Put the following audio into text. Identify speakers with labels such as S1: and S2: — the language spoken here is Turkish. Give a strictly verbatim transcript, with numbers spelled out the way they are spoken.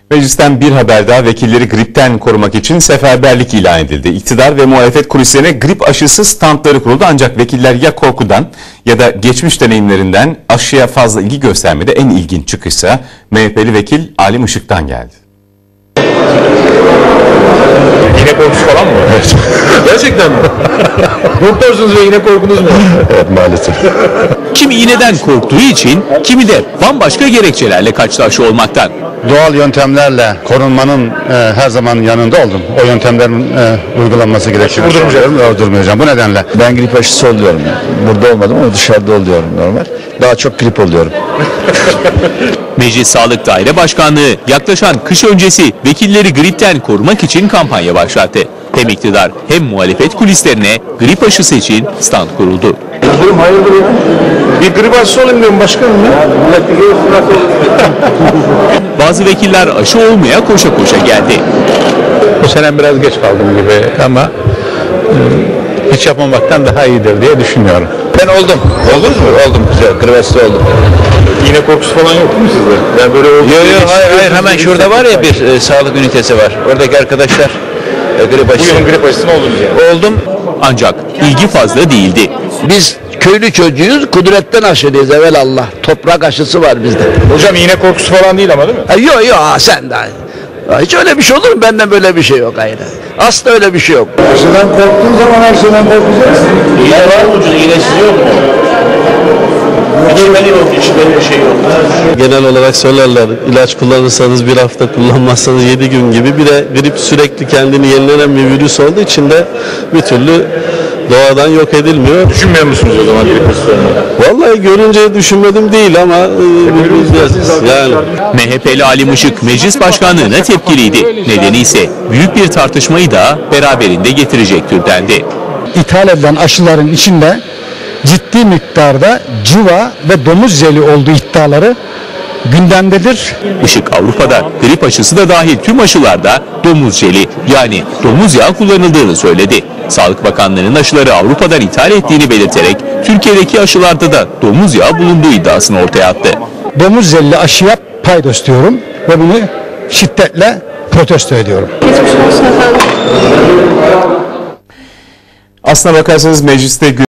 S1: Meclisten bir haber daha, vekilleri gripten korumak için seferberlik ilan edildi. İktidar ve muhalefet kulislerine grip aşısı standları kuruldu, ancak vekiller ya korkudan ya da geçmiş deneyimlerinden aşıya fazla ilgi göstermedi. En ilginç çıkışsa M H P'li vekil Alim Işık'tan geldi.
S2: Yine korkusu falan mı? Evet. Gerçekten mi? Doktorsunuz ve yine korkunuz mu?
S3: Evet, maalesef.
S4: Kimi iğneden korktuğu için, kimi de bambaşka gerekçelerle kaçtı aşı olmaktan.
S3: Doğal yöntemlerle korunmanın e, her zaman yanında oldum. O yöntemlerin e, uygulanması gerektiğini
S2: Vurdurmayacağım.
S3: Vurdurmayacağım. Bu nedenle.
S5: Ben grip aşısı oluyorum. Burada olmadım ama dışarıda oluyorum normal. Daha çok grip oluyorum.
S4: Meclis Sağlık Daire Başkanlığı yaklaşan kış öncesi vekilleri gripten korumak için kampanya başlattı. Hem iktidar hem muhalefet kulislerine grip aşısı için stand kuruldu.
S2: Durum hayırdır ya? Bir grip aşısı olayım diyorum başkanım ya.
S4: Bazı vekiller aşı olmaya koşa koşa geldi.
S6: Bu sene biraz geç kaldım gibi ama e, hiç yapmamaktan daha iyidir diye düşünüyorum.
S5: Ben oldum. Oldunuz mu? Oldum. Güzel. Grip aşısı oldum.
S2: Yine korkusu falan yok mu sizde? Yani böyle
S5: Yok yok hayır hayır hemen şurada var ya bir e, sağlık ünitesi var. Oradaki arkadaşlar e, grip aşısı.
S2: Bugün grip aşısını oldunuz yani.
S5: Oldum.
S4: Ancak ilgi fazla değildi.
S7: Biz köylü çocuğuyuz, kudretten aşırıyız evelallah. Toprak aşısı var bizde.
S2: Hocam yine korkusu falan değil ama değil mi?
S7: Ha, yok yok ha, sen de. Ha, hiç öyle bir şey olur mu? Benden böyle bir şey yok hayır. Asla öyle bir şey yok.
S2: Aşıdan korktuğun zaman her şeyden korkacaksın.
S5: İğne var mı ucuz? İğnesiz yok mu? İçmeli yok. İçmeli bir şey yok.
S8: Genel olarak söylerler, ilaç kullanırsanız bir hafta, kullanmazsanız yedi gün gibi. Bir de grip sürekli kendini yenilenen bir virüs olduğu için de bir türlü doğadan yok edilmiyor.
S2: Düşünmüyor musunuz o zaman grip aşılarını?
S8: Vallahi görünce düşünmedim değil ama e, yani.
S4: M H P'li Alim Işık meclis başkanlığına tepkiliydi. Nedeni ise büyük bir tartışmayı da beraberinde getirecek türdendi.
S9: İthal edilen aşıların içinde ciddi miktarda civa ve domuz jeli olduğu iddiaları gündemdedir.
S4: Işık Avrupa'da grip aşısı da dahil tüm aşılarda domuz jeli yani domuz yağı kullanıldığını söyledi. Sağlık Bakanlığı'nın aşıları Avrupa'dan ithal ettiğini belirterek Türkiye'deki aşılarda da domuz yağı bulunduğu iddiasını ortaya attı.
S9: Domuz jelli aşıya paydos diyorum ve bunu şiddetle protesto ediyorum.
S1: Aslına bakarsanız mecliste